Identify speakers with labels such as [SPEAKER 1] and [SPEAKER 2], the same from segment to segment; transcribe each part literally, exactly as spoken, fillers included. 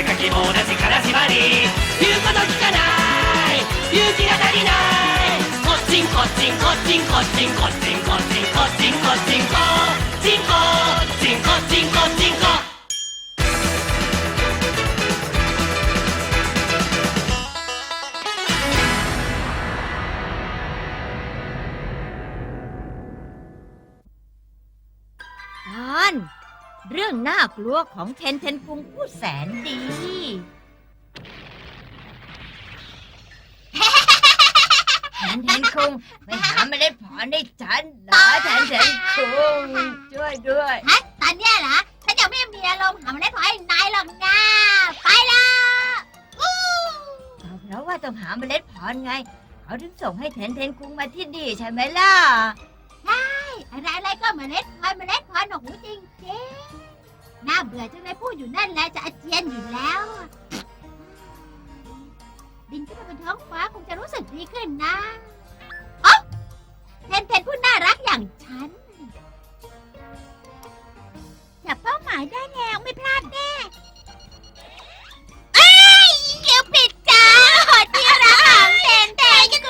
[SPEAKER 1] かきも同じ金縛り言うこと聞かない勇気が足りないこっちんこっちんこっちんこっちんこっちんこっちんこっちんこっちんこちんこちんこちんこちんこ
[SPEAKER 2] ตอนเรื่องน่ากลัวของเทนเทนคุงผู้แสนดี เทนเทนคุงไปหาเมล็ดผลให้ฉันนะเทนเทนคุงช่วยด้วย
[SPEAKER 3] ฮะตอนเนี้ยเหรอฉันยังไม่มีอารมณ์หาเมล็ดพันธุ์ให้นายหรอกนะไปละอู้
[SPEAKER 2] เพราะว่าต้องหาเมล็ดพันธุ์ไง เขาถึงส่งให้เทนเทนคุงมาที่นี่ใช่ไหมล่ะ
[SPEAKER 3] อะไรอะไรก็เมล็ดพันธุ์เมล็ดพันธุ์หนูจริงจริงๆน่าเบื่อจังเลยพูดอยู่นั่นแหละจะอาเจียนอยู่แล้วอะบินขึ้นไปบนท้องฟ้าคงจะรู้สึกดีขึ้นนะอ๋อเทนเทนผู้น่ารักอย่างฉันจับเป้าหมายได้แล้วไม่พลาดแน่เอ้ยเกี่ยวผิดจ้าหดที่รักของเทนเทนกู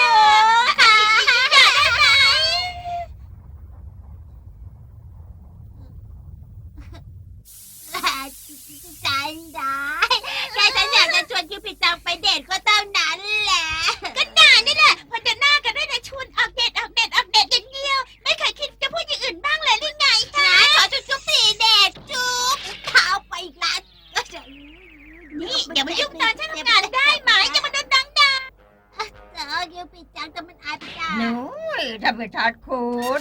[SPEAKER 3] ใจได้แค่ฉันอยากจะชวนคิวปิดจังไปเดทก็เท่านั้นแหละก็นานนี่แหละพอจะหน้ากันได้แต่ชวนออกเดทออกเดทออกเดทอย่างเดียวไม่เคยคิดจะพูดอย่างอื่นบ้างเลยหรือไงฮะขอจุดจุ๊บสี่เดทจุ๊บเท้าไปอีกแล้วนี่อย่ามายุ่งตอนฉันทำงานได้ไหมอย่ามาโดนดังดังเออคิวปิดจังแต่มันอายไปจ้า
[SPEAKER 2] หนูทำไปทอดคูด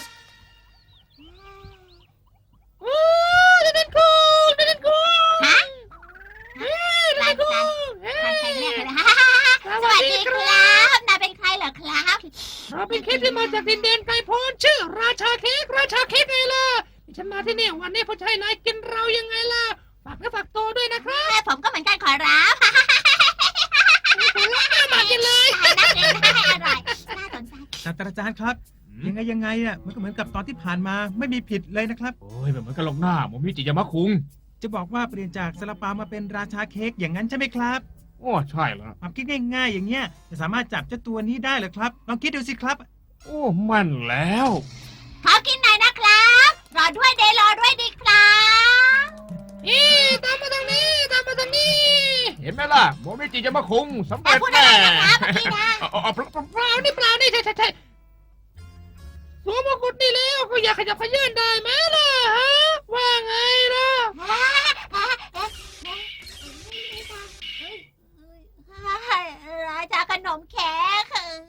[SPEAKER 3] โอ้เดนคุงเดนคุงฮะร้านร้านร้านใครเรียกเลยสวัสดีครับนายเป็นใครเหรอครับ
[SPEAKER 4] เราเป็นเค้กที่มาจากดินแดนไกลโพ้นชื่อราชาเค้กราชาเค้กไงล่ะฉันมาที่นี่วันนี้เพราะใช่นายกินเรายังไงล่ะฝากเนื้อฝากตัวด้วยนะครับ
[SPEAKER 3] แม่ผมก็เหมือนกันขอรับ
[SPEAKER 4] มากินเลย
[SPEAKER 3] น่ากินน่าอร่อยน่าสนใจ
[SPEAKER 5] ศาสตราจารย์ครับ ยังไงยังไงอ่ะมันก็เหมือนกับตอนที่ผ่านมาไม่มีผิดเลยนะครับ
[SPEAKER 4] โอ้ยแบบเหมือนกันลงหน้าโมมิจิยามะคุง
[SPEAKER 5] จะบอกว่าเปลี่ยนจากซาลาเปามาเป็นราชาเค้กอย่างนั้นใช่ไหมครับ
[SPEAKER 4] โอ้ใช่แล้ว
[SPEAKER 5] ความคิดง่ายๆอย่างเงี้ยจะสามารถจับเจ้าตัวนี้ได้เหรอครับลองคิดดูสิครับ
[SPEAKER 4] โอ้มันแล้ว
[SPEAKER 3] ขอกินหน่อยนะครับ รอด้วยเดย์รอด้วยดีครับ
[SPEAKER 4] เอ๊ะตามมาทางนี้ตามมาทางนี้ เห็นไหมล่ะโมมิจิยามะคุงสำ
[SPEAKER 3] แต่
[SPEAKER 4] เร็จ
[SPEAKER 3] พูดอะไร
[SPEAKER 4] แน่
[SPEAKER 3] นะครับเมื่อกี้นะ
[SPEAKER 4] เอาเอาเปล่าเปล่านี่เปล่านี่ใช่ใช่ใช่สวมมงกุฎนี่แล้วก็อยากขยับขยื่นได้ไหมล่ะฮะว่าไงล่ะ
[SPEAKER 3] ราชาขนมแขก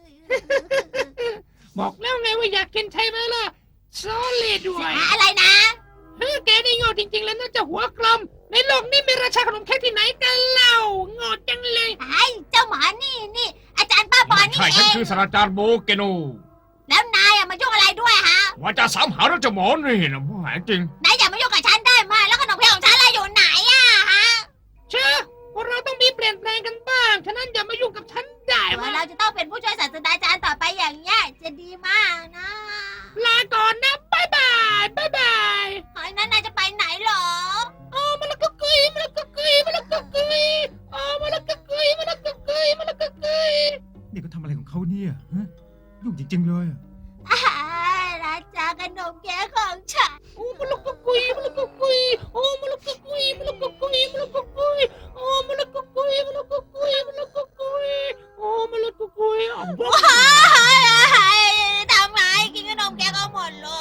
[SPEAKER 4] บอกแล้วไงว่าอยากกินใช่ไหมล่ะซอเลยด้วย
[SPEAKER 3] อะไรนะ
[SPEAKER 4] เฮ้ยแกนี่โง่จริงๆแล้วน่าจะหัวกลมในโลกนี้มีราชาขนมเค้กที่ไหนกันเล่าโง่จังเลย
[SPEAKER 3] ไอ้เจ้าหมานี่นี่อาจารย์ป้าบอลนี่
[SPEAKER 4] ใช่
[SPEAKER 3] เอ
[SPEAKER 4] ฉัน
[SPEAKER 3] ง
[SPEAKER 4] คือศาสตราจารย์โบเกโน
[SPEAKER 3] แล้วนายอะมายุ่งอะไรด้วยฮะ
[SPEAKER 4] ว่าจะสามหาราชหมอนี่นะผู้หายจริง
[SPEAKER 3] นายอย่ามายุ่งกับฉันได้ไหมแล้วขนมเค้กของฉันอะไรอยู่ไหนอะฮะ
[SPEAKER 4] เชื่อพวกเราต้องมีเปลี่ยนแปลงกันบ้างฉะนั้นอย่ามายุ่งกับฉันได้ไหม
[SPEAKER 3] เราจะต้องเป็นผู้ช่วยศาสตราจารย์ต่อไปอย่างเงี้ยจะดีมากนะ
[SPEAKER 4] ลาก่อนนะบ๊ายบายบ๊ายบาย
[SPEAKER 3] เฮ้ยนั้นนายจะไปไหนหรอ
[SPEAKER 4] อ๋อมาละกะกุยมาละกะกุยมาละกะกุยอ๋อมาละกะกุยมาละกะกุยมาละกะกุย
[SPEAKER 5] นี่เขาทำอะไรของเขาเนี่ยฮะยุ่งจริงๆเลยอะ
[SPEAKER 3] อ่าราชาขนมเค้กของฉัน
[SPEAKER 4] โอ้มาละกะกุยมาละกะกุยโอ้มาละกะกุยมาละกะกุยมาละกะกุยโอ้มาละกะกุยมาละกะกุยมาละกะกุยโอ้มาละกะกุยอ๋อ
[SPEAKER 3] ว้ายทำไมกินขนมเค้กเอาหมดเลย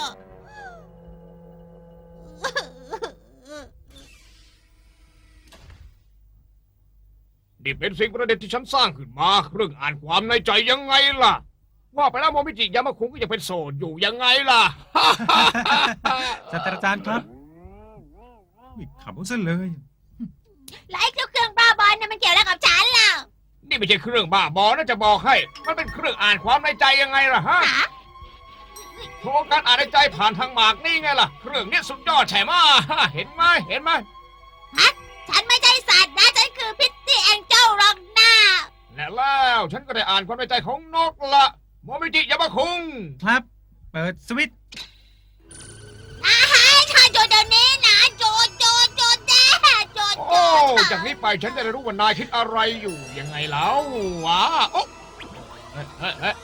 [SPEAKER 4] นี่เป็นสิ่งประดิษฐ์ที่ฉันสร้างขึ้นมาเรื่องอ่านความในใจยังไงล่ะ ว่าไปแล้วโมมิจิยามะคุงก็ยังเป็นโสดอยู่ยังไงล่ะ
[SPEAKER 5] ศาสตราจารย์ครับนี่ขำเอาซะเลย
[SPEAKER 3] แล้วไอ้เจ้าเครื่องบ้าบอลเนี่ยมันเกี่ยวอะไรกับฉันล่ะ
[SPEAKER 4] นี่ไม่ใช่เครื่องบ้าบอนะจะบอกให้ มันเป็นเครื่องอ่านความในใจยังไงล่ะฮะ
[SPEAKER 3] หา
[SPEAKER 4] โครงการอ่านในใจผ่านทางหมากนี่ไงล่ะ เครื่องนี้สุดยอดใช่ไหมเห็นไหมเห็นไหม
[SPEAKER 3] ฉันไม่ใช่สัตว์นะฉันคือพิตตี้แองเจิลหรอกนะ
[SPEAKER 4] และแล้วฉันก็ได้อ่านความในใจของนกละโมมิจิยามะคุง
[SPEAKER 5] ครับ เปิดสวิตช์
[SPEAKER 3] อาหารชาโจเดี๋ยวนี้นะโจโจโจแด้โจ
[SPEAKER 4] โอ้จากนี้ไปฉันจะได้รู้ว่านายคิดอะไรอยู่ยังไงแล้ววะโอ้เฮ้ยเฮ้ยเฮ้ย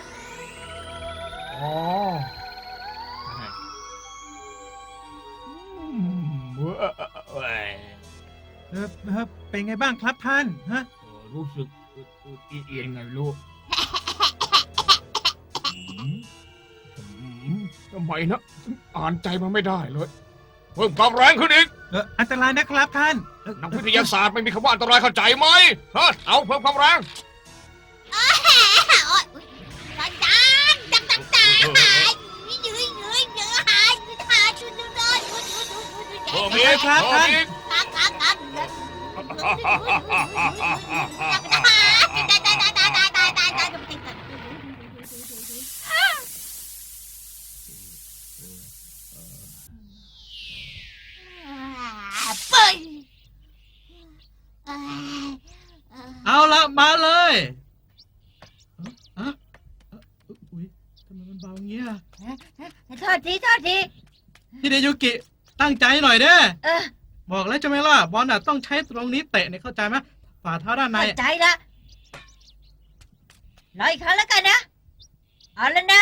[SPEAKER 4] อ๋ออืมเว้ยเว้ย
[SPEAKER 5] เออเออเป็นไงบ้างครับท่านฮะ
[SPEAKER 4] เออรู้สึกอึดๆเอียนๆไงลูกอืมอืมทำไมนะอ่านใจมันไม่ได้เลยเพิ่มความแรงขึ้นอีก
[SPEAKER 5] เอออันตรายนะครับท่านเอ่อ
[SPEAKER 4] นักวิทยาศาสตร์ไม่มีคำว่าอันตรายเข้าใจไหมฮะเอาเพิ่มความแรง
[SPEAKER 3] โอ๊ยอาจารย์จังจังจังหายยืดยืดยืดหายยืดหายชุดยืดยืดยืดยืดยืด
[SPEAKER 4] เพิ่มอีกเพิ่มอีก
[SPEAKER 3] กักกักกักตายตายตายตายตายตายตายตายเปิด
[SPEAKER 6] เอาละมาเลยอะอะอุ๊ยทำไมมันเบาเงี้ย
[SPEAKER 2] โทษทีโทษที
[SPEAKER 6] ฮิเดยุกิตั้งใจหน่อยเด้อ
[SPEAKER 2] เออ
[SPEAKER 6] บอกแล้วใช่ไหมล่ะบอลน่ะต้องใช้ตรงนี้เตะเนี่ยเข้าใจไหมฝ่าเท้าด้านใน
[SPEAKER 2] เข้าใจละรออีกครั้งแล้วกันนะ เอาแล้วนะ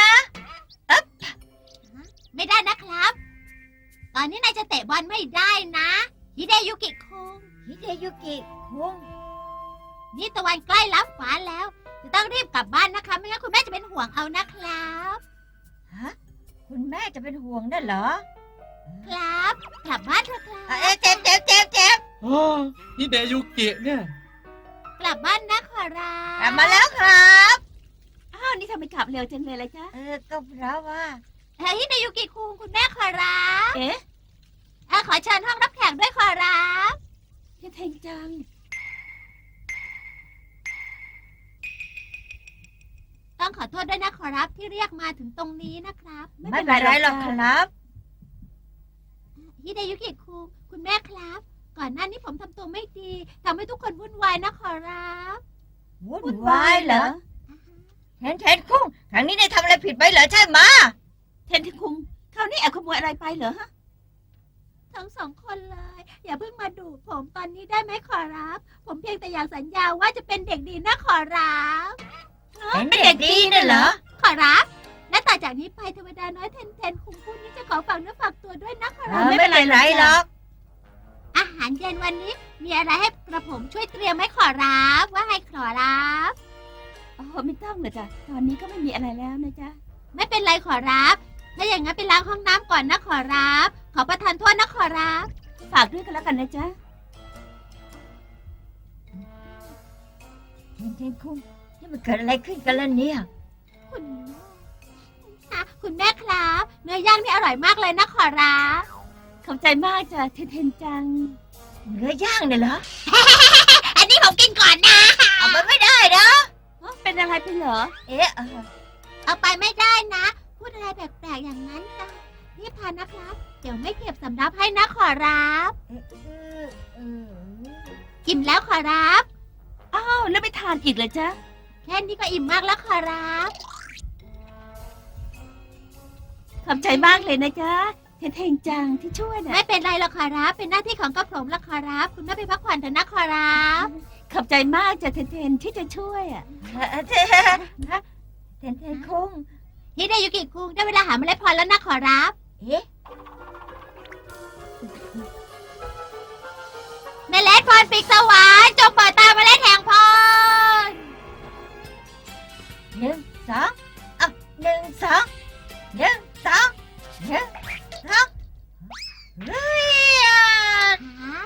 [SPEAKER 3] ไม่ได้นะครับ ตอนนี้นายจะเตะบอลไม่ได้นะฮิเดยุกิคุง
[SPEAKER 2] ฮิเดยุกิคุง
[SPEAKER 3] นี่ตะวันใกล้ลับฟ้าแล้ว จะต้องรีบกลับบ้านนะคะ ไม่งั้นคุณแม่จะเป็นห่วงเอานะครับ
[SPEAKER 2] ฮะ คุณแม่จะเป็นห่วงนั่นเหรอ
[SPEAKER 3] ครับ กลับบ้านเถอะครั
[SPEAKER 2] เอ้ย
[SPEAKER 3] บ
[SPEAKER 2] เจ็บเจ็บเจ็บเจ็บ
[SPEAKER 6] โอ้ฮิเดยุกิเนี่ย
[SPEAKER 3] กลับบ้านนะขอรับ
[SPEAKER 2] กลับมาแล้วครับ
[SPEAKER 3] อ้าวนี่ทำไมกลับเร็วจังเลยล่ะจ๊ะ
[SPEAKER 2] เออ ก็เพราะว่า
[SPEAKER 3] เฮ้ยฮิเดยุกิคุงคุณแม่ขอรับ
[SPEAKER 2] เอ๊ะ
[SPEAKER 3] เอ่อขอเชิญห้องรับแขกด้วยขอรับเท่งจัง ต้องขอโทษด้วยนะขอรับที่เรียกมาถึงตรงนี้นะครับ
[SPEAKER 2] ไม่เป็นไรหรอกครับ
[SPEAKER 3] ฮิเดยุกิคุงคุณแม่ครับ ก่อนหน้านี้ผมทำตัวไม่ดีทำให้ทุกคนวุ่นวายนะขอรับ
[SPEAKER 2] วุ่นวายเหรอเทนเทนคุงครั้งนี้ได้ทำอะไรผิดไปเหรอใช่ไหมะ
[SPEAKER 3] เทนทิคุงคราวนี้แอบขโมยอะไรไปเหรอฮะทั้งสองคนเลย อย่าเพิ่งมาดูผมตอนนี้ได้ไหมขอรับ ผมเพียงแต่อยากสัญญาว่าจะเป็นเด็กดีนะขอรับ
[SPEAKER 2] เป็นเด็กดีน่ะเหรอ
[SPEAKER 3] ขอรับ และต่อจากนี้ไปเทวดาน้อยเทนเทนคุงผู้นี้จะขอฝากเนื้อฝากตัวด้วยนะขอ
[SPEAKER 2] เอ
[SPEAKER 3] รับ
[SPEAKER 2] อไม่เป็นไรหรอก
[SPEAKER 3] อาหารเย็นวันนี้มีอะไรให้กระผมช่วยเตรียมไหมขอรับว่าให้ขอรับโอ้ไม่ต้องเลยจ้ะตอนนี้ก็ไม่มีอะไรแล้วนะจ๊ะไม่เป็นไรขอรับ ถ้าอย่างนั้นไปล้างห้องน้ำก่อนนะขอรับ ขอประทานโทษนะขอรับ ฝากด้วยกันแล้วกันนะจ๊ะ
[SPEAKER 2] เทนเทนคุงนี่มันเกิดอะไรขึ้นกันล่ะเนี่ย
[SPEAKER 3] คุณแม่ค่ะคุณแม่ครับ เนื้อย่างนี่อร่อยมากเลยนะขอรับขอบใจมากจ้ะเทนเทนจัง
[SPEAKER 2] เนื้อย่างเนี่ยเหรอ
[SPEAKER 3] อันนี้ผมกินก่อนนะ
[SPEAKER 2] เอาไปไม่ได้นะ
[SPEAKER 3] เป็นอะไรไปเหรอ
[SPEAKER 2] เอ๊ะเออ
[SPEAKER 3] เอาไปไม่ได้นะ พูดอะไรแปลกๆอย่างนั้นจ้ะรีบทานนะครับ เดี๋ยวไม่เก็บสำรับให้นะขอรับ
[SPEAKER 2] เอ๊ะเออเออ
[SPEAKER 3] อิ่มแล้วขอรับ อ้าวแล้วไปทานอีกเลยจ๊ะ แค่นี้ก็อิ่มมากแล้วขอรับ ขอบใจมากเลยนะจ๊ะเทนเทงจังที่ช่วยนะไม่เป็นไรหรอกขอรับ เป็นหน้าที่ของกระผมละขอรับ คุณแม่ไปพักผ่อนเถอะนะขอรับ ขอบใจมากจ้ะเทนเทนที่จะช่วยอ่ะ
[SPEAKER 2] เออเทนเทนเทนคุง
[SPEAKER 3] ฮิเดยุกิคุงได้เวลาหาเมล็ดพันธุ์แล้วนะขอรับ
[SPEAKER 2] เอ๊ะ
[SPEAKER 3] เมล็ดพันธุ์ปีกสวรรค์จงเปิดตาเมล็ดแห่งพร
[SPEAKER 2] หนึ่งสองอ่ะหนึ่งสองหนึ่งสองหนึ่งสองเรียน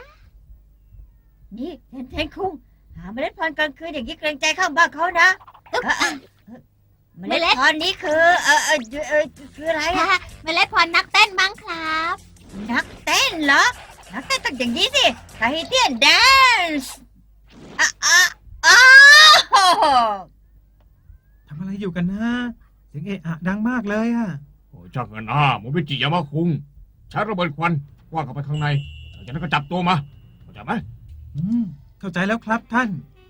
[SPEAKER 2] นี่เทนเทนคุงหาเมล็ดพันธุ์กลางคืนอย่างนี้เกรงใจข้างบ้านเขานะเออเออเออเมล็ดพันธุ์นี้คือเออเออเออคืออะไรอะ
[SPEAKER 3] เมล็ดพันธุ์นักเต้นมั้งครับ
[SPEAKER 2] นักเต้นเหรอ นักเต้นต้องอย่างนี้สิไทเทียนแดนซ์อ่ะอ่ะอ้าว
[SPEAKER 5] ทำอะไรอยู่กันนะเสียงเอะอะดังมากเลยอะ
[SPEAKER 4] โอ้ยช่างเงินอ่ะโมบิจิยามาคุงใช้ระเบิดควันว่างเข้าไปข้างในจากนั้นก็จับตัวมาเข้าใจไหม
[SPEAKER 5] อืมเข้าใจแล้วครับท่าน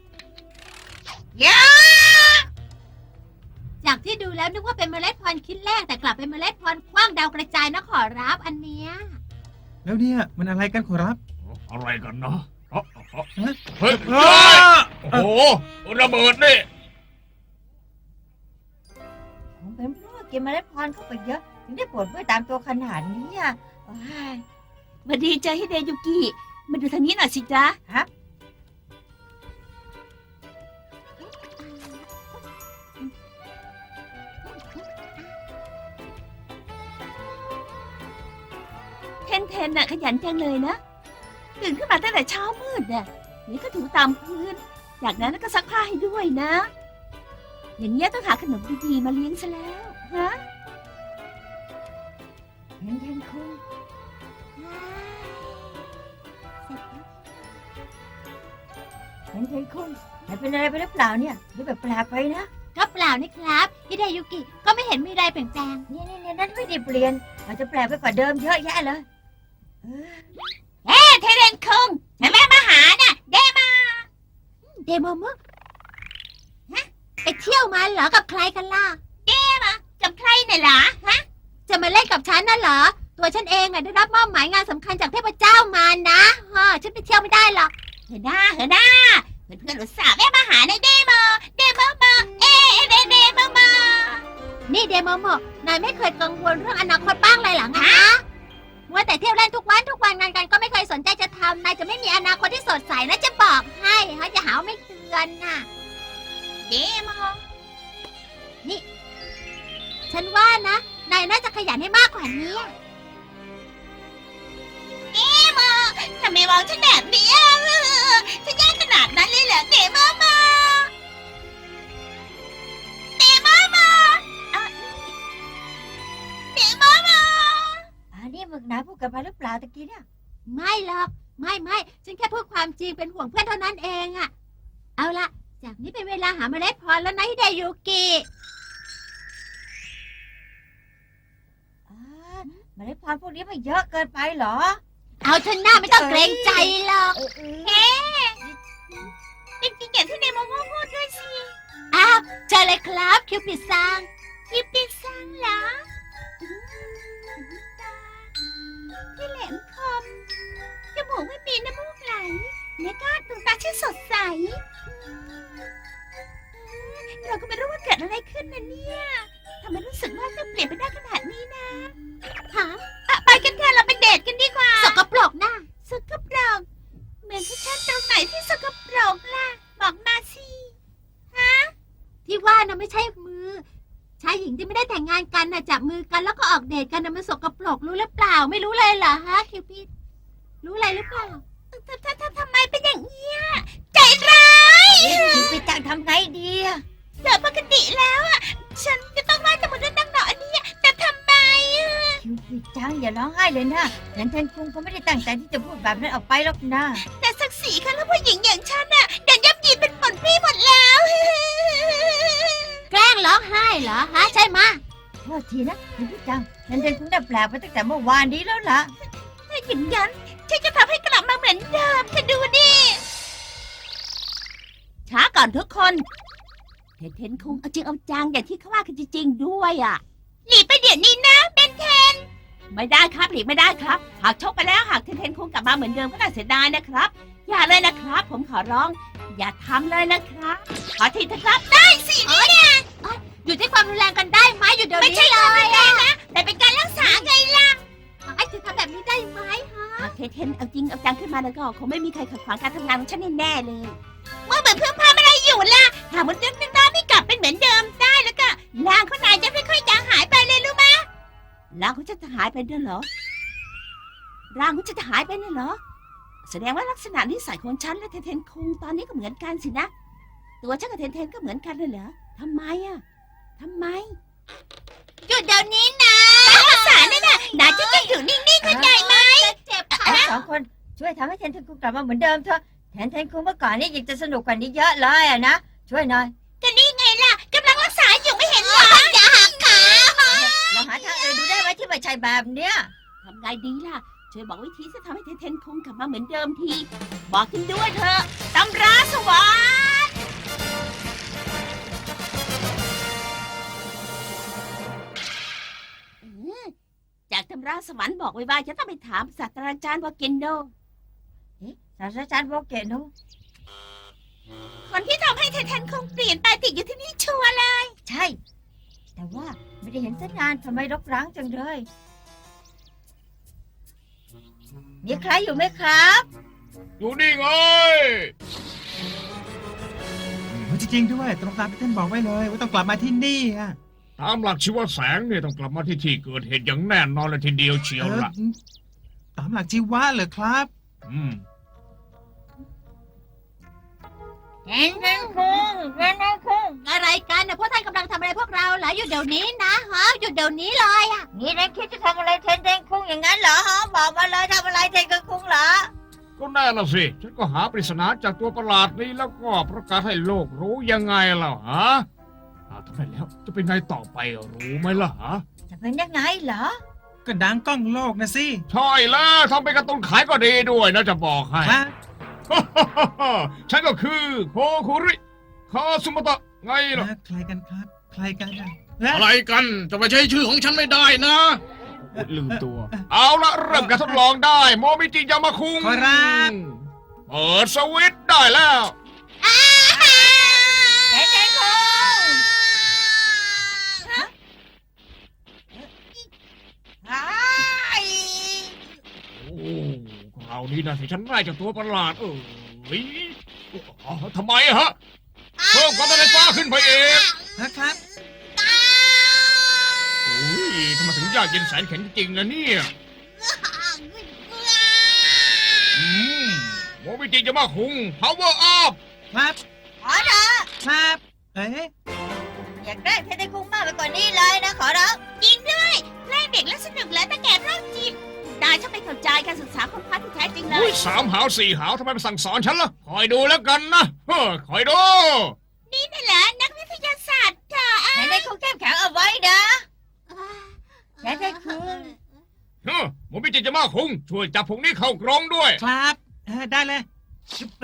[SPEAKER 3] จากที่ดูแล้วนึกว่าเป็นเมล็ดพันธุ์คิดแรกแต่กลับเป็นเมล็ดพันธุ์กว้างดาวกระจายนะขอรับอันเนี้ย
[SPEAKER 5] แล้วเนี่ยมันอะไรกันขอรับ
[SPEAKER 4] โอ้โหอะไรกันเนาะเอ้าเอ้าเฮ้ย
[SPEAKER 5] อ้า
[SPEAKER 4] โอ้โหระเบิดนี่
[SPEAKER 2] คงเป็นเพราะว่ากินเมล็ดพันธุ์เข้าไปเยอะถึงได้ปวดเมื่อยตามตัวขนาดนี้อ่ะว้าย
[SPEAKER 3] มาดีใจให้เดยุกิมาดูทางนี้หน่อยสิจ๊ะ
[SPEAKER 2] ฮะ
[SPEAKER 3] เทนเทนน่ะขยันจังเลยนะตื่นขึ้นมาตั้งแต่เช้ามืดน่ะนี่ก็ถูตามพื้นจากนั้นก็ซักผ้าให้ด้วยนะ อย่างเงี้ยต้องหาขนมดีๆมาเลี้ยงซะแล้วฮะ
[SPEAKER 2] เห็นเห็นคุงเห็นเห็นคุงหายเป็นอะไรไปหรือเปล่าเนี่ยดูแบบแปลกไปนะ
[SPEAKER 3] ก็เปล่านี่ครับฮิเดยุกิก็ไม่เห็นมีอะไรเปลี่ยนแปลง
[SPEAKER 2] นี่นี่นี่นั่นไม่ได้เปลี่ยนอาจจะแปลกไปกว่าเดิมเยอะแยะเลยเออ
[SPEAKER 3] เอ๊ะเทเรนคุงแม่มาหาน่ะเดมาเดโมมุฮะไปเที่ยวมาเหรอกับใครกันล่ะเดมากับใครเนี่ยเหรอฮะจะมาเล่นกับฉันน่ะเหรอตัวฉันเองอ่ะได้รับมอบหมายงานสำคัญจากเทพเจ้ามานะฮะฉันไปเที่ยวไม่ได้หรอกเฮ้ยน้าเฮ้ยน้าเพื่อนเพื่อนอุตส่าห์แม่มาหาในเดโมเดโมโมเอ๊ะเดเดโมโมนี่เดโมโมนายไม่เคยกังวลเรื่องอนาคตบ้างเลยเหรอฮะว่าแต่เที่ยวเล่นทุกวันทุกวันงานกันก็ไม่เคยสนใจจะทำนายจะไม่มีอนาคตที่สดใสนะจะบอกให้ฮะจะหาว่าไม่เตือนน่ะเดโมนี่ ฉันว่านะนายน่าจะขยันให้มากกว่านี้เดโมทำไมมองฉันแบบนี้อ่ะฉันแย่ขนาดนั้นเลยเหรอเดโมโมเดโมโมอ่ะเดโมโม
[SPEAKER 2] อันนี้มึงนายพูดกันไปหรือเปล่าตะกี้เนี่ย
[SPEAKER 3] ไม่หรอกไม่ไม่ฉันแค่พูดความจริงเป็นห่วงเพื่อนเท่านั้นเองอะเอาละจากนี้เป็นเวลาหาเมล็ดพันธุ์แล้วนะฮิเดยุกิ
[SPEAKER 2] อ่าเมล็ดพันธุ์พวกนี้มันเยอะเกินไปเหรอ
[SPEAKER 3] เอาเถอะหน้าไม่ต้องเกรงใจหรอก
[SPEAKER 2] เออเออ
[SPEAKER 3] จริงๆอย่างที่เดโมโมพูดด้วยสิอ้าวเจอเลยครับคิวปิดซังคิวปิดซังเหรอที่แหลมคมจมูกไม่มีน้ำมูกไหลแล้วก็ดวงตาชื่นสดใสเราก็ไม่รู้ว่าเกิดอะไรขึ้นนะเนี่ยทำไมรู้สึกว่าจะเปลี่ยนไปได้ขนาดนี้นะฮะอ่ะไปกันเถอะเราไปเดทกันดีกว่าสกปรกนะสกปรกเหมือนที่ฉันตรงไหนที่สกปรกล่ะบอกมาสิฮะที่ว่านะไม่ใช่มือชายหญิงที่ไม่ได้แต่งงานกันนะจับมือกันแล้วก็ออกเดทกันนะมันสกปรกรู้หรือเปล่าไม่รู้เลยเหรอฮะคิวปิดรู้อะไรหรือเปล่าทำทำทำทำไมเป็นอย่างเงี้ยใจร้าย
[SPEAKER 2] คิวปิดจังทำไงดีอะ
[SPEAKER 3] โดยปกติแล้วอ่ะฉันจะต้องไหว้แต่หมดนั่งหนออันนี้แต่ทำไมอ่ะ
[SPEAKER 2] คิวปิดจังอย่าร้องไห้เลยนะเห็นเทนคุงเขาไม่ได้ตั้งใจที่จะพูดแบบนั้นออกไปหรอกนะ
[SPEAKER 3] แต่ศักดิ์ศรีค่ะแล้วผู้หญิงอย่างฉันอ่ะเดินยับยีนเป็นผลพี่หมดแล้วแกล้งร้องไห้เหรอฮะใช่ไหม
[SPEAKER 2] โทษทีนะคิวปิดจังเห็นเทนคุงได้แปลกไปตั้งแต่เมื่อวานนี้แล้วล่ะ
[SPEAKER 3] ถ้าอย่างนั้นฉันจะทำให้กลับมาเหมือนเดิมเธอดูดิช้าก่อนทุกคนเทนเทนคงเอาจริงเอาจังอย่างที่เขาว่ากันจริงๆด้วยอ่ะหลีไปเดี๋ยวนี้นะเบนเทนไม่ได้ครับหลีไม่ได้ครับหากชกไปแล้วหากเทนเทนคงกลับมาเหมือนเดิมก็น่าเสียดายนะครับอย่าเลยนะครับ ผมขอร้อง อย่าทำเลยนะครับขอทีเถอะครับได้สิเนี่ยอยู่ที่ความรุนแรงกันได้ไหมอยู่เดี๋ยวนี้ไม่ใช่ความรุนแรงนะแต่เป็นการรักษาไงล่ะไอ้จะทำแบบนี้ได้ไหมฮะหากเทนเทนเอาจริงเอาจังขึ้นมาแล้วก็คงไม่มีใครขัดขวางการทำงานของฉันแน่ๆเลยว่าเหมือนเพื่อนพาอะไรอยู่ล่ะหากมันเดิมนึงได้ไม่กลับเป็นเหมือนเดิมได้แล้วก็ร่างของนายจะค่อยๆจางหายไปเลยรู้ไหมร่างของฉันจะหายไปด้วยเหรอร่างของฉันจะหายไปนั่นเหรอแสดงว่าลักษณะนิสัยของฉันและเทนเทนคงตอนนี้ก็เหมือนกันสินะตัวฉันกับเทนเทนก็เหมือนกันเลยเหรอทำไมอ่ะทำไมหยุดเดี๋ยวนี้นะรักษาเนี่ยนะนายจะต้องอยู่นิ่งๆเข้าใจไหมเจ็บ
[SPEAKER 2] ทั้งสองคนช่วยทำให้เทนคุงกลับมาเหมือนเดิมเถอะแทนเทนคุงเมื่อก่อนนี่ยังจะสนุกกว่านี้เยอะเลยอะนะช่วยหน่อย
[SPEAKER 3] ก็นี่ไงล่ะกำลังรักษาอยู่ไม่เห็นเหรออย่าหักขา
[SPEAKER 2] เราหาทางอื่นดูได้ไหมที่ไม่ใช่แบบเนี้ย
[SPEAKER 3] ทำไงดีล่ะช่วยบอกวิธีจะทำให้เทนเทนคงกลับมาเหมือนเดิมทีบอกกันด้วยเถอะตำราสวรรค์จากตำราสวรรค์บอกไว้ว่าจะต้องไปถามศาสตราจารย์วาเกนโดเอ๊
[SPEAKER 2] ศาสตราจารย์โบเกะโนะ
[SPEAKER 3] คนที่ทำให้ไททันคงเปลี่ยนไปติดอยู่ที่นี่ชัวร์เลย
[SPEAKER 2] ใช่ แต่ว่าไม่ได้เห็นสักนานทำไมรกร้างจังเลย มีใครอยู่ไหมครับ
[SPEAKER 4] อยู่นี่ไง
[SPEAKER 5] จริงๆด้วย ตรงตามที่ท่านบอกไว้เลย ว่าต้องกลับมาที่นี่อะ
[SPEAKER 4] ตามหลักชีวแสงเนี่ยต้องกลับมาที่ที่เกิดเหตุอย่างแน่นอนเลยทีเดียวเชียว
[SPEAKER 5] เออ
[SPEAKER 4] ล่ะ
[SPEAKER 5] ตามหลักชีวะเหรอครับ
[SPEAKER 4] อืม
[SPEAKER 2] เทนเทนคุงเทนเทนคุง
[SPEAKER 3] อะไรกันนะพวกท่านกำลังทำอะไรพวกเราเหรอหยุดเดี๋ยวนี้นะฮะหยุดเดี๋ยวนี้เลยอะ
[SPEAKER 2] นี่นายคิดจะทำอะไรเทนเทนคุงอย่างนั้นเหรอฮะบอกมาเลยทำอะไรเทนเทนคุงเหรอ
[SPEAKER 4] ก็แน่ละสิ ฉันก็หาปริศนาจากตัวประหลาดนี้แล้วก็ประกาศให้โลกรู้ยังไงล่ะฮะอ่าทำไมแล้วจะเป็นไงต่อไปรู้ไหมล่ะฮะ
[SPEAKER 2] จะเป็นยังไงเหรอ
[SPEAKER 5] ก็ดังกล้องโลกนะสิ
[SPEAKER 4] ใช่แล้วทำเป็นการ์ตูนขายก็ดีด้วยนะจะบอกให้
[SPEAKER 5] ฮะ
[SPEAKER 4] ฉันก็คือโคคุริคาซุมะตะไงล่ะ
[SPEAKER 5] ใครกันครับ ใครกันอะ
[SPEAKER 7] อะไรกันจะไปใช้ชื่อของฉันไม่ได้นะ
[SPEAKER 4] ลืมตัว เอาละเริ่มการทดลองได้โมมิจิยามาคุง
[SPEAKER 5] ขอรับ
[SPEAKER 4] เปิดสวิตช์ได้แล้ว
[SPEAKER 2] เทนเทนคุงอ้าย
[SPEAKER 4] โอ้คราวนี้นะที่ฉันได้จากตัวประหลาดเอออ๋อทำไมอะฮะเพิ่มความต้านไฟฟ้าขึ้นไปเอง
[SPEAKER 5] นะครับ
[SPEAKER 4] โอ้ยทำไมถึงยากเย็นแสนแข็งจริงๆนะเนี่ยอืมโมมิจิจะมาคุง power up
[SPEAKER 5] ครับ
[SPEAKER 2] ขอรับ
[SPEAKER 5] ครับ เอ๊ะ
[SPEAKER 2] อยากได้เทนเทนคุงมากไปกว่านี้เลยนะขอรับ
[SPEAKER 3] จริงด้วยแกล้งเด็กและสนุกแล้วแต่แก่โรคจิตนายช่างไม่เข้าใจการศึกษาคนพัฒที่แท้จริงเล
[SPEAKER 4] อุ้
[SPEAKER 3] ย
[SPEAKER 4] ยสามหาวสี่หาวทำไมมาสั่งสอนฉันล่ะ คอยดูแล้วกันนะเฮ้อคอยดู
[SPEAKER 3] นี่น่ะเหรอนักวิทยาศาสตร์เธอ
[SPEAKER 2] เทนเทนคุงเข้มแข็งเอาไว้นะเทนเทนคุง
[SPEAKER 4] เฮ้อโมมิจิจะมาคุง ช่วยจับพวกนี้เข้ากรงด้วย
[SPEAKER 5] ครับเออได้เลยชุบ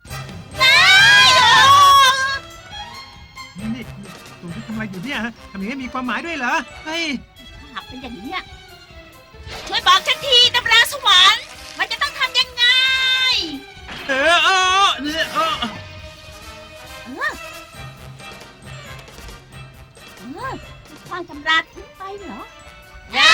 [SPEAKER 5] นี่นี่ตัวที่ทำอะไรอยู่เนี่ยฮะทำอย่างนี้มีความหมายด้วยเหรอ เฮ้ย
[SPEAKER 3] หากเป็นอย่างนี้ยช่วยบอกฉันทีตำราสวรรค์มันจะต้องทำยังไง
[SPEAKER 5] เออเออเนี่ยเออ
[SPEAKER 3] เออเออควางตำราทิ้งไปเหรอ
[SPEAKER 4] อย่า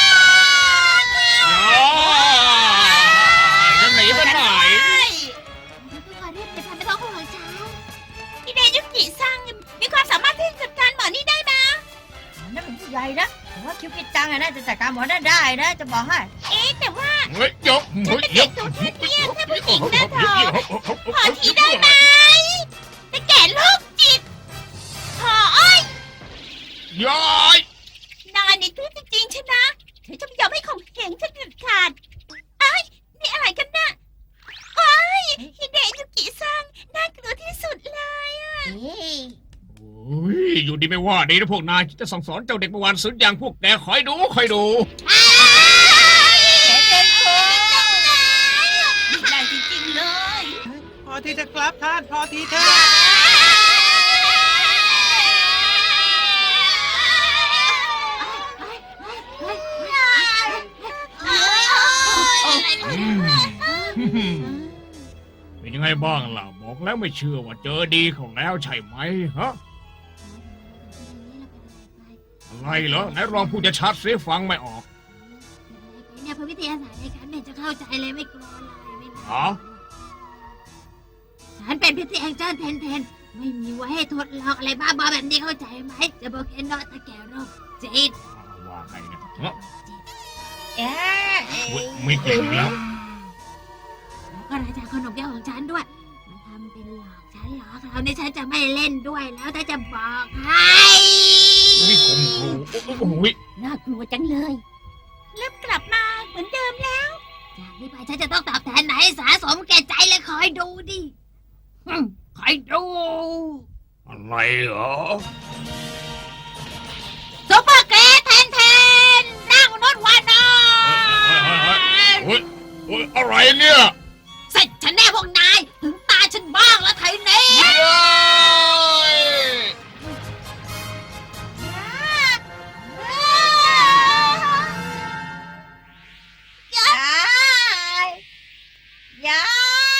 [SPEAKER 4] จะหนีไปไหน
[SPEAKER 3] พี่ขอเรียกเป็นพันธุ์ท้องของฉันพี่เดยุกิซังมีความสามารถที่จะจัดการหมอนี่ได้ไหม
[SPEAKER 2] นั่นเป็นผู้ใหญ่นะแต่ว่าคิวปิดตังอะนะจะจัดการหมอนั่นได้นะ จะบอกให้
[SPEAKER 3] เอ๊ะแต่ว่า
[SPEAKER 4] เฮ้ยยก
[SPEAKER 3] ฉันเป็นเด็กตัวแค่เนี้ยแค่ผู้หญิงนะเธอขอทีได้ไหมแต่แก่โรคจิตขออ้อย
[SPEAKER 4] ย้อย
[SPEAKER 3] นายนี่คือจริงๆใช่ไหมเธอจะไม่ยอมให้ข่มเหงฉันเด็ดขาดเอ้ยนี่อะไรกันน่ะโอ้ยฮิเดยุกิซังน่ากลัวที่สุดเลยอ่ะ
[SPEAKER 4] โอ้ยอยู่ดีไม่ว่าดีนะพวกนายจะสั่งสอนเจ้าเด็กเมื่อวานสุดอย่างพวกแกคอยดูคอยดู
[SPEAKER 2] เทนเทนคุง
[SPEAKER 3] นี่แรงจริงๆเลย
[SPEAKER 5] พอทีจะกลับท่าน พอทีเถอะ
[SPEAKER 4] อืมเป็นยังไงบ้างล่ะ บอกแล้วไม่เชื่อว่าเจอดีของแล้วใช่ไหมฮะ อะไรเหรอไหนลองพูดจะชัดสิฟังไม่ออก
[SPEAKER 3] เนี่ยพระวิทยาศาสตร์ในฉันเนี่ยจะเข้าใจเลยไม่กลัวเลยไม่
[SPEAKER 4] ฮะ
[SPEAKER 3] ฉันเป็นพิธีแองเจิลเทนเทนไม่มีไว้ให้ทดลองอะไรบ้าบอแบบนี้เข้าใจไหมจะบอกแค่นอตะแกโรคจิต
[SPEAKER 4] ว่าไงเนี่ยฮะ
[SPEAKER 2] เอ๊ะ
[SPEAKER 4] เว้ยไม่เก่งแล้ว
[SPEAKER 3] แล้วก็ราชาขนมแก้วของฉันด้วยมันทำเป็นหลอกฉันเหรอคราวนี้ฉันจะไม่เล่นด้วยแล้วถ้าจะบอกให้
[SPEAKER 4] นี่คมครูโอ้โห
[SPEAKER 3] น่ากลัวจังเลยเริ่มกลับมาเหมือนเดิมแล้ว จากนี้ไปฉันจะต้องตอบแทนไหนายให้สาสมแก่ใจเลยคอยดูดิหึ่มคอยดู
[SPEAKER 4] อะไรเหรอ
[SPEAKER 3] ซุปเปอร์เกรทแทนแทนนั่งรถวานอ
[SPEAKER 4] เฮ้ยเฮ้ยอะไรเนี่ย
[SPEAKER 3] เสร็จฉันแน่พวกนาย ถึงตาฉันบ้างแล้วไทยนี้
[SPEAKER 4] เย้ย
[SPEAKER 2] ยายยาย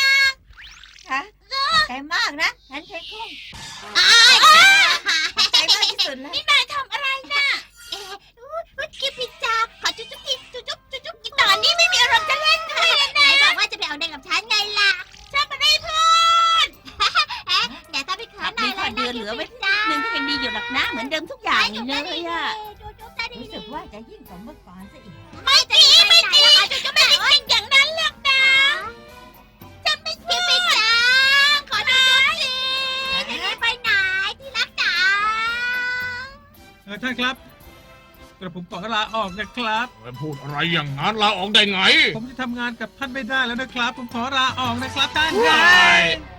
[SPEAKER 2] สุดเลย
[SPEAKER 3] นี่นายทำอะไรน่ะเอ๊ะอุ๊ยคิวปิดจ้าขอจุ๊บจุ๊บกินจุ๊บจุ๊บจุ๊บจุ๊บกินตอนนี้ไม่มีอารมณ์จะเล่นด้วยนะนายบอกว่าจะไปเอาเด็กกับฉันไงล่ะฉันไม่ได้พูดเอ๊ะเดี๋ยวถ้าไปขอนายเลยนะคิวปิดจ้า
[SPEAKER 8] หนึ่งก็ยังดีอยู่หรอกนะ เหมือนเดิมทุกอย่างเลยอะ
[SPEAKER 3] จุ๊บจุ๊บได้ดี
[SPEAKER 2] รู้สึกว่าจะยิ่งกว่าเมื่อก่อนซะอีก
[SPEAKER 3] ไม่จริงไม่จริงจุ๊บจุ๊บไม่จริงอย่างนั้นหรอกนะฉันไม่คิวปิดจ้าขอจุ๊บจุ๊บสิจะได้ไปไหนที่รักจ๋า
[SPEAKER 5] เออท่านครับกระผมขอลาออกนะครับ
[SPEAKER 7] พูดอะไรอย่างนั้นลาออกได้ไง
[SPEAKER 5] ผมจะทำงานกับท่านไม่ได้แล้วนะครับ ผมขอลาออกนะครับท่าน
[SPEAKER 7] ได้